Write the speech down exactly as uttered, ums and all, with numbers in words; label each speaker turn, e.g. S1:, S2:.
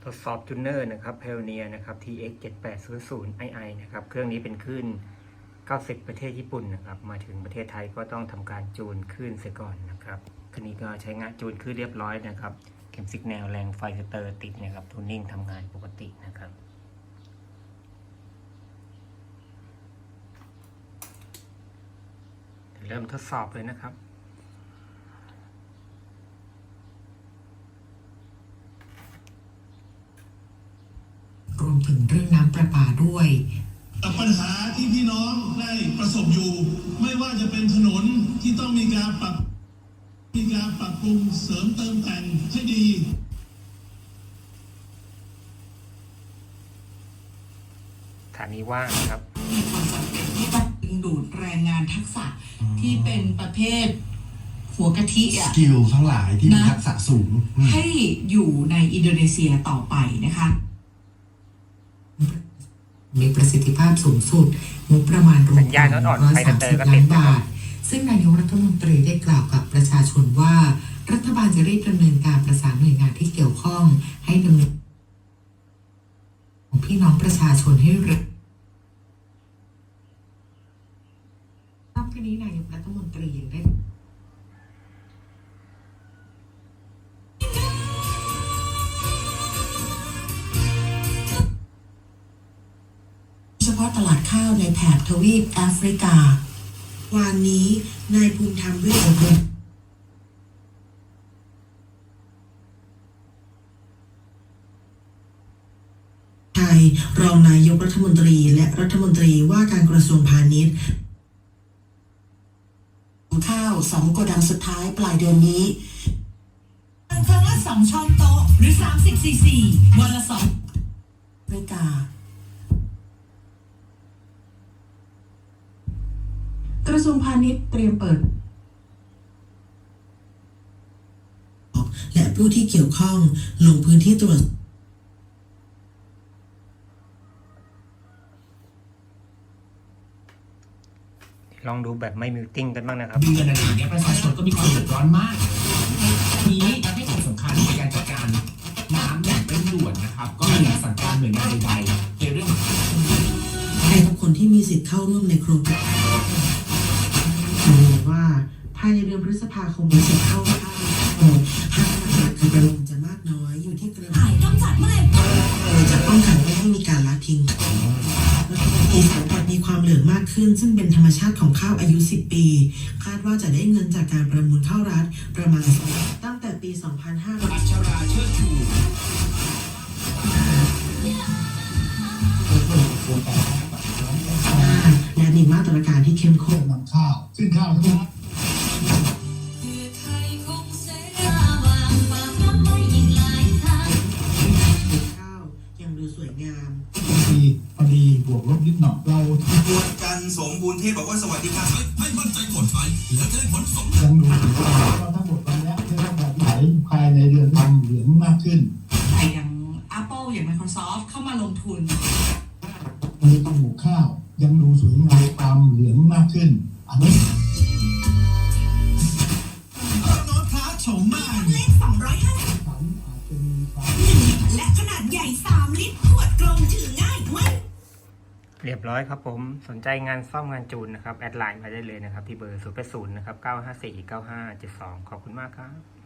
S1: ทดสอบจูเนอร์นะครับ Pioneer นะครับ ที เอ็กซ์ เจ็ดแปดศูนย์ศูนย์ ไอ ไอ นะครับเครื่องนี้เป็นคลื่นเก้าสิบประเทศญี่ปุ่นนะครับมาถึงประเทศไทยก็ต้องทำการจูนคลื่นเสียก่อนนะครับคันนี้ก็ใช้งานจูนคลื่นเรียบร้อยนะครับเข็มสิกแนวแรงไฟสเตอร์ติดนะครับทูนิ่งทำงานปกตินะครับเริ่มทดสอบเลยนะครับ
S2: รวมถึงเรื่องน้ำประปาด้วย
S3: ปัญหาที่พี่น้องได้ประสบอยู่ไม่ว่าจะเป็นถนนที่ต้องมีการปรับมีการปรับปรุงเสริมเติมแต่งให้ดี
S1: ฐานีว่างครับ
S2: มีความจำเป็นที่ต้องดึงดูดแรงงานทักษะที่เป็นประเภทหัวกะทิอะ
S4: สกิลทั้งหลายที่มีทักษะสูง
S2: ให้อยู่ในอินโดนีเซียต่อไปนะคะมีประสิทธิภาพสูงสุดงบประมาณรวม
S1: กันร้อยสามสิบล้านบาท
S2: ซึ่งนายกรัฐมนตรีได้กล่าวกับประชาชนว่ารัฐบาลจะรีบดำเนินการประสานหน่วยงานที่เกี่ยวข้องให้ดำเนินของพี่น้องประชาชนให้เร็วนอกจากนี้นายกรัฐมนตรียังได้เฉพาะตลาดข้าวในแถบทวีปแอฟริกาวานนี้นายภูมิธรรมเวชบุตรไทยรองนายกรัฐมนตรีและรัฐมนตรีว่าการกระทรวงพาณิชย์ข้าวสองโกดังสุดท้ายปลายเดือนนี้ครั้งละสองช้อนโต๊ะหรือสามสิบซีซีวันละสองเมกากระทรวงพาณิชย์เตรียมเปิดและผู้ที่เกี่ยวข้องลงพื้นที่ตรวจ
S1: ลองดูแบบไม่มิวติ้งกันบ้างนะครับ
S5: เดือนอะไรอย่างเงี้ยประชาชนก็มีความเดือดร้อนมากนี้ให้ความสำคัญในการจัดการน้ำอย่างเร่งด่วนนะครับก็มีสั่งการหน่วยงานใดๆในเรื่อง
S2: ให้ทุกคนที่มีสิทธิ์เข้าร่วมในโครงการว่าภายในเดือนพฤษภาคมมีสิทธิ์เข้าร่วมห้างราคาประมูลจะมากน้อยอยู่ที่กระทรวงต้องจัดเมื่อไหร่จะป้องกันไม่ให้มีการละทิ้งอีกสังกัดมีความเหลืองมากขึ้นซึ่งเป็นธรรมชาติของข้าวอายุสิบปีคาดว่าจะได้เงินจากการประมูลข้าวรัฐประมาณตั้งแต่ปีสองพันห้าร้อย
S5: อัชราเชิดชู
S2: และมีมาตรการที่เข้มข้น
S3: นำข้าวซึ่งข้าวทั้งหมด
S2: ข้าวยังดูสวยงาม
S3: ดีพอดีบวกลบนิดหน่อยเรา
S6: บวชกันสมบูรณ์เทพบอกว่าสวัสดีครับให้มั่นใจผลไฟและจะได้ผลสม
S3: ยังดูถือว่าทั้งหมดวันนี้จะต้องแบบไหนภายในเดือนทำเหลืองมากขึ้น
S2: ใครอย่าง Apple อย่าง Microsoft เข้ามาลงทุน
S3: วันนี้ต้องหมูข้าวยังดูสวยงามตามเหลืองมากขึ้นอันนี้
S6: น้องพระโฉมใหม่
S7: เล็กสองร้อยห้าสิบ
S3: สันอาจจะมีความ
S7: และขนาดใหญ่สามลิตรขวดกลมถือง่ายไม่
S1: เรียบร้อยครับผมสนใจงานซ่อมงานจูนนะครับแอดไลน์มาได้เลยนะครับที่เบอร์ศูนย์ แปด ศูนย์นะครับเก้าห้าสี่ เก้าห้า เจ็ดสองขอบคุณมากครับ